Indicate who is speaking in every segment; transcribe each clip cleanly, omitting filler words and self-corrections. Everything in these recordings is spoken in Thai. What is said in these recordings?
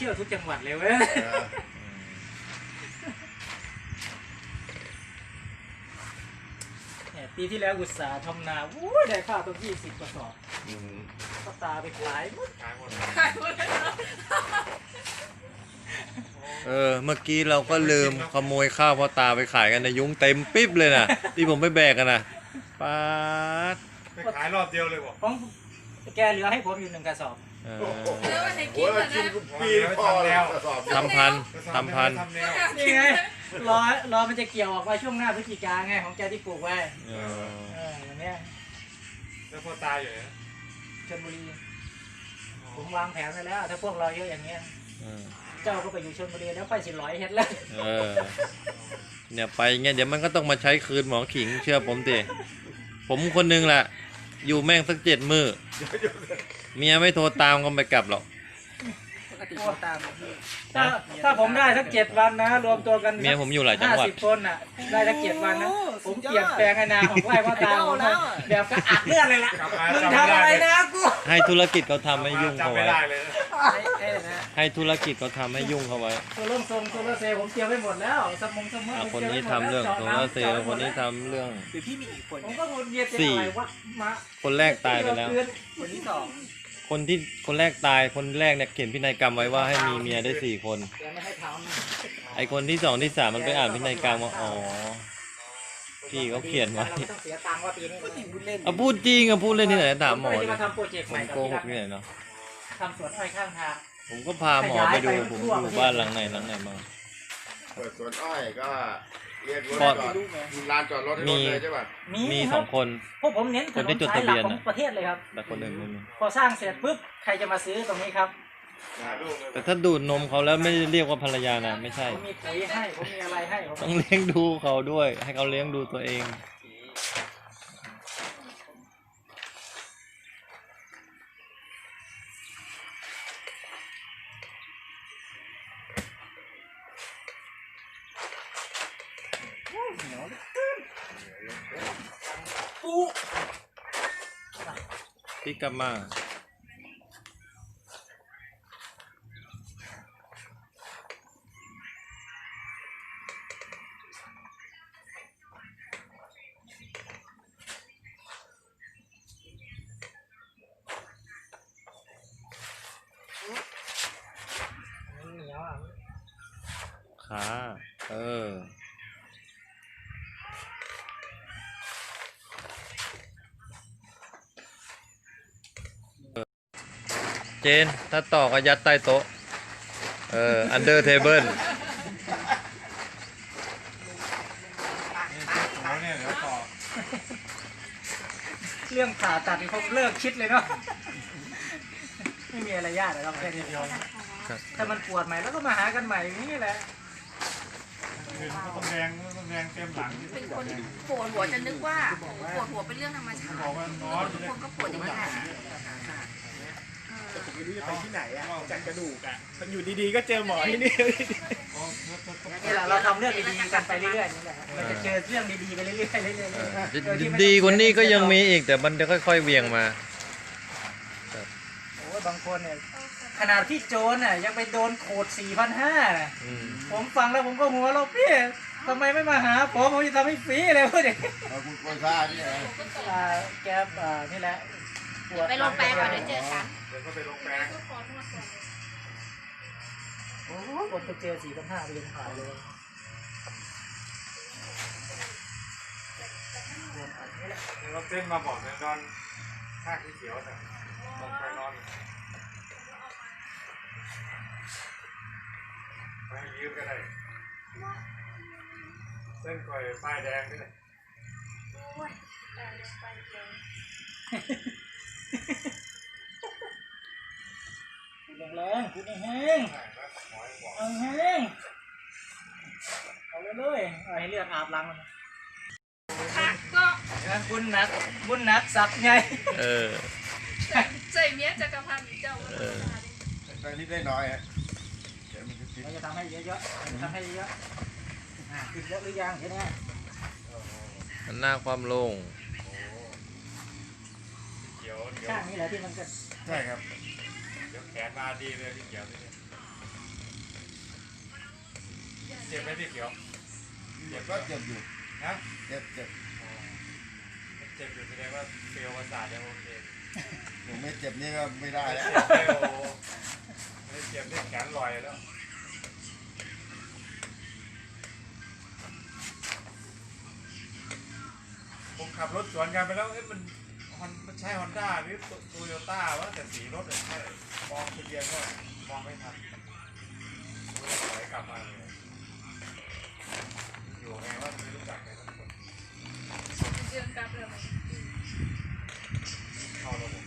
Speaker 1: ที่ยวทุกจังหวัดเลยเว้ยปีที่แล้วอุตสาห์ทำนาได้ข้าวตั้ง20 กระสอบก็ตาไปขายหมด
Speaker 2: เมื่อกี้เราก็ลืมขโมยข้าวพ่อตาไปขายกันในยุ้งเต็มปิ๊บเลยนะที่ผมไปแบกกันนะป๊าด
Speaker 3: ไปขายรอบเดียวเลยบอก
Speaker 1: ของแกเหลือให้ผมอยู่1 กระสอบ
Speaker 4: แล้ววันไหนกินก่อนนะ
Speaker 3: ปีพอแล้ว
Speaker 2: ทำพัน
Speaker 1: นี่ไงรอมันจะเกี่ยวออกมาช่วงหน้าพฤศจิกาไงของแกที่ปลูกไว้อย่างเนี้ย
Speaker 3: แล้วพอตายอยู่นะ
Speaker 1: ชลบุรีผมวางแผนไว้แล้วถ้าพวกเราเยอะอย่างเงี้ยเจ้าก็ไปอยู่ชลบุรีแล้วไป10 เฮ็ดแล้ว
Speaker 2: เนี่ยไปเงี้ยเดี๋ยวมันก็ต้องมาใช้คืนหมอขิงเชื่อผมดิผมคนนึงแหละอยู่แม่งสัก7 มื้อเมียไม่โทรตามก็ไม่กลับหรอก
Speaker 1: ถ้าผมได้สัก7 วันนะรวมตัวกัน
Speaker 2: เมียผมอยู่หลายจังหวัด
Speaker 1: 50 คนน่ะได้สัก7 วันนะผมเปลี่ยนแปลงอนาคตของไร่พ่อตาผมแบบกระอักเลือดเลยล่ะมึงทำอะไรนะกู
Speaker 2: ให้ธุรกิจเขาทำให้ยุ่งเขาไว้ให้ธุรกิจเขาทำให้ยุ่งเขาไว้
Speaker 1: โซลาเซลล์ผมเตรียมไว้หมดแล้วสมอง
Speaker 2: คนนี้ทำเรื่องโซลาเซลล์คนนี้ทำเรื่อง
Speaker 1: พี่มีอีกคนผมก็วนเวียนเป็นอะไรวะมา
Speaker 2: คนแรกตายไปแล้ว
Speaker 1: คนที่2
Speaker 2: คนแรกตายคนแรกเนี่ยเขียนพินัยกรรมไว้ว่าให้มีเมียได้4 คนไอคนที่2ที่3มันไปอ่านพินัยกรรมว่าอ๋อพี่เขาเขียนไว้พูดจริงพูดเล่นที่ไหนถามหมอเลยผมโกหกที่ไหนเนาะ
Speaker 1: ทำสวนอ้อยข้างทาง
Speaker 2: ผมก็พาหมอไปดูผมอยู่บ้านหลังไหนบ้าง
Speaker 5: เปิดสวนอ้อยก็เรียกรถจอดลานจอดรถให้รถเลยใช่ป่ะ
Speaker 2: มี2 คน
Speaker 1: พวกผมเน้น
Speaker 2: คนที่จดทะเบียน
Speaker 1: ของประเทศเลยครับ
Speaker 2: แต่คนอื่นไม่มี
Speaker 1: พอสร้างเสร็จปุ๊บใครจะมาซื้อตรงนี้ครับ
Speaker 2: แต่ถ้าดูดนมเขาแล้วไม่เรียกว่าภรรยานะไม่ใช่
Speaker 1: ผมมีปุ๋ยให้ผมมีอะไรให้
Speaker 2: ต้องเลี้ยงดูเขาด้วยให้เขาเลี้ยงดูตัวเองพี่กลับมาขาเจนถ้าต่อก็ยัดใต้โต๊ะunder table
Speaker 1: เรื่องผ่าตัดนี่ผมเลิกคิดเลยเนาะไม่มีอะไรยากเลยครับแค่นี้เดียวถ้ามันปวดใหม่แล้วก็มาหากันใหม่อย่างนี้แหละ
Speaker 3: ต้องแดงเต็มหลัง
Speaker 4: เป็นคนปวดหัวจะนึกว่าปวดหัวเป็นเรื่องธรรมชาติทุกคนก็ปวดอย่างนี้แหละ
Speaker 6: แต่ผมไม่รู้จะไปที่ไหนอ่ะจากกระดูกอ่ะมันอยู่ดีๆก็เจอหมอที่นี่
Speaker 1: นี่แหละเราทำเรื่องดีๆกันไปเรื่อยๆนี่แหละเราจะเจอเรื่องดีๆไปเรื่อย
Speaker 2: ๆดีกว่านี้ก็ยังมีอีกแต่มันจะค่อยๆเวียงมา
Speaker 1: โอ้บางคนเนี่ยขนาดพี่โจนน่ะยังไปโดนโขด 4,500 น่ะผมฟังแล้วผมก็หัวเราะพี่ทำไมไม่มาหาผมจะทำให้ฟรีเลยพวกนี้
Speaker 5: คุณคนซ่านี่ไง
Speaker 1: แกนี่แหละ
Speaker 4: ไปลงแปลงก่อนเดี๋ยวเจอกัน
Speaker 3: เดี๋ยวก็ไปลงแปลง
Speaker 1: โอ้คนไปเจอ 4,500 ไปยังขายเลย
Speaker 3: เราเต้นมาบอกเนี่ยนอนข้างที่เขียวแต่ลงไปนอนไปยืมก็ได้เส้นก่อยป้ายแดงนี่เลย
Speaker 1: แรงคุณแห้งเอาเลยให้เลือดอาบหลัง
Speaker 4: ค่ะก็
Speaker 1: บุญนักสักไง
Speaker 4: ใจเมียจักรพันธ์เจ้า
Speaker 5: ได้นิดได้น้อยฮะ
Speaker 1: เราจะทำให้เยอะๆทำให้เยอะติดเยอะหรือยังแค่นี้
Speaker 2: มันหน้าความโล่ง
Speaker 1: ข้างนี้แหละที่มันก็
Speaker 5: ใช่ครับ
Speaker 3: เดี๋ยวแขนมาดีเลยที่เขียวนี่เจ็บไหมพี่เขียว
Speaker 5: เจ็บก็เจ็บอยู่
Speaker 3: ฮะ
Speaker 5: เจ็บ
Speaker 3: เจ็บอยู่แสดงว่าเซลล์ประสาทยังโอเค
Speaker 5: ผมไม่เจ็บนี่ก็ไม่ได้แล้ว
Speaker 3: เจ็บโอ้ไม่เจ็บนี่แขนลอยแล้วผมขับรถสวนกันไปแล้วเอ๊ะมันใช่ฮอนด้าหรือโตโยต้าวะแต่สีรถเนี่ยใช่มองทะเบียนก็มองไม่ทันถอยกลับมาเลยอยู่ไงว่าไม่รู้จักใครสักคน
Speaker 4: เดือนกลับเลย
Speaker 3: เข้าระบบ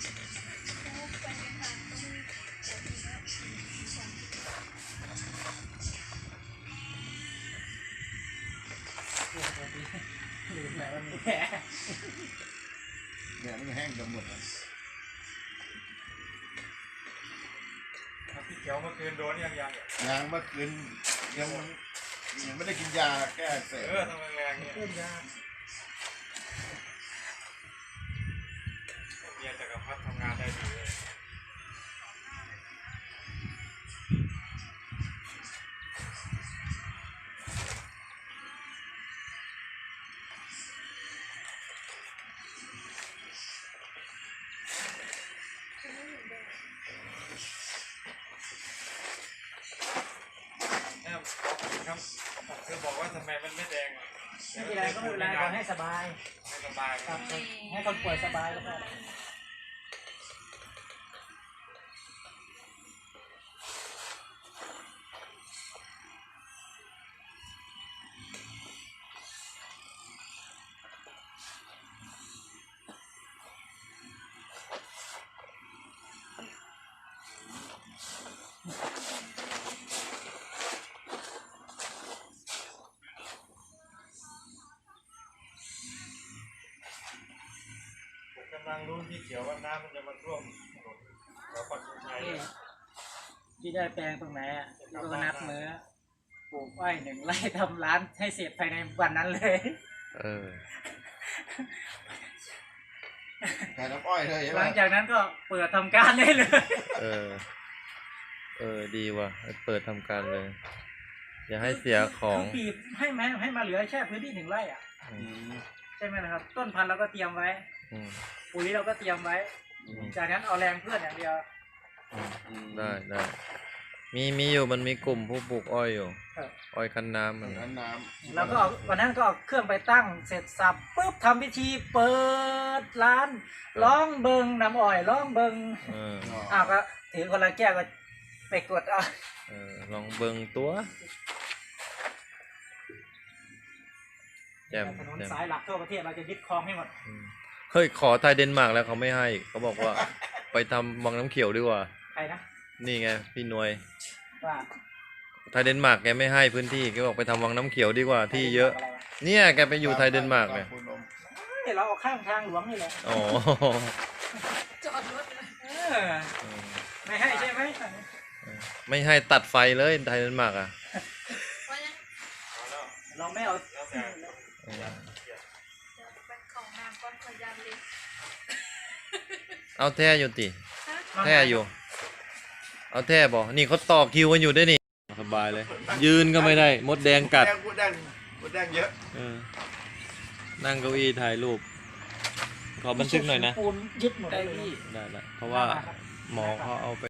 Speaker 1: ลืมแล้วมีแผล
Speaker 5: เนี่ยมันแห้งกันหมดแล้ว
Speaker 3: พี่เขียวเมื่อคืนโดนยัง
Speaker 5: ยางเมื่อคืนยังไม่ได้กินยาแก้อักเสบ
Speaker 3: ทำแรงๆเนี่ยเมียจักรพรรดิทำงานได้ดีเลยครับคือบอกว่าทำไมมันไม่แดง
Speaker 1: ไม่เป็นไรก็ไม่เป็นไรขอให้สบาย
Speaker 3: ไม่สบาย
Speaker 1: ครับให้คนป่วยสบายแล้วก็
Speaker 3: ผมกำลังรู้ที่เขียวว่าน้ำมันจะมาท่วมถนนเราปักธงชัย
Speaker 1: ที่ได้แปลงตรงไหนอ่ะก็นัดมือปลูกอ้อย1 ไร่ทำร้านให้เสร็จภายในวันนั้นเลย
Speaker 2: เออ
Speaker 5: ขายน้ำอ้อยเลยใช่
Speaker 1: ห
Speaker 5: ไหม
Speaker 1: ลังจากนั้นก็เปิดทำการได้เลย
Speaker 2: เออ ดีว่ะเปิดทำการเลย อย่าให้เสียของ
Speaker 1: คือบีบให้มาเหลือแค่พื้นที่1 ไร่อ่ะ
Speaker 2: อืม
Speaker 1: ใช่ไหมนะครับ ต้นพันธุ์เราก็เตรียมไว้
Speaker 2: อืม
Speaker 1: ปุ๋ยเราก็เตรียมไว้ จากนั้นเอาแรงเพื่อนอย่างเดียว
Speaker 2: ได้มีอยู่มันมีกลุ่มผู้ปลูกอ้อยอยู่
Speaker 1: ครับ
Speaker 2: อ้อยคั้นน้ำมัน
Speaker 5: น้ำน้ำ
Speaker 1: แล้วก็เอาวันนั้นก็เอาเครื่องไปตั้งเสร็จสับปุ๊บทำพิธีเปิดร้านร้องเบิงน้ำอ้อยร้องเบิง
Speaker 2: เออ
Speaker 1: อ้าวก็ถือคนละแก้วก็ไปกดเอา
Speaker 2: ลองเบิงตัวแจ่ม
Speaker 1: ถนน
Speaker 2: แจ่ม
Speaker 1: สายหลักทั่วประเทศเราจะยึดครองให้หมด
Speaker 2: เฮ้ยขอไทยเดนมาร์กแล้วเขาไม่ให้เขาบอกว่า ไปทำวังน้ำเขียวดีกว่า
Speaker 1: ใครนะ
Speaker 2: นี่ไงพี่หนวย
Speaker 1: ว่า
Speaker 2: ไทยเดนมาร์กแกไม่ให้พื้นที่แกบอกไปทำวังน้ำเขียวดีกว่าที่เยอะ เนี่ยแกไปอยู่ไทยเดนมาร์กเนี่ย
Speaker 1: เดี๋ยวเราเอาข้างทางหลวงนี่แหละ
Speaker 2: อ๋อ
Speaker 4: จอดรถเลย
Speaker 1: ไม่ให้ใช่ไหม
Speaker 2: ไม่ให้ตัดไฟเลยไทยเดนมาร์กอ่ะ
Speaker 4: ว่ายัง
Speaker 1: เราไม่เอา
Speaker 3: แล้วแต่
Speaker 2: เออ
Speaker 4: ไปของน้ำก้อนพยานเลย
Speaker 2: เอาแท้อยู่ติ
Speaker 4: ฮะ
Speaker 2: แท้อยู่ เอาแท้บอกนี่เขาต่อคิวกันอยู่ด้วยนี่สบายเลย ยืนก็ไม่ได้มดแดงกัด
Speaker 5: พูดแดงเยอะ
Speaker 2: นั่งเก้าอี้ถ่ายรูป ขอบันทึกหน่อยนะ
Speaker 1: ปูนยึดหมดเลย
Speaker 2: ได้เพราะว่าหมอเขาเอาไป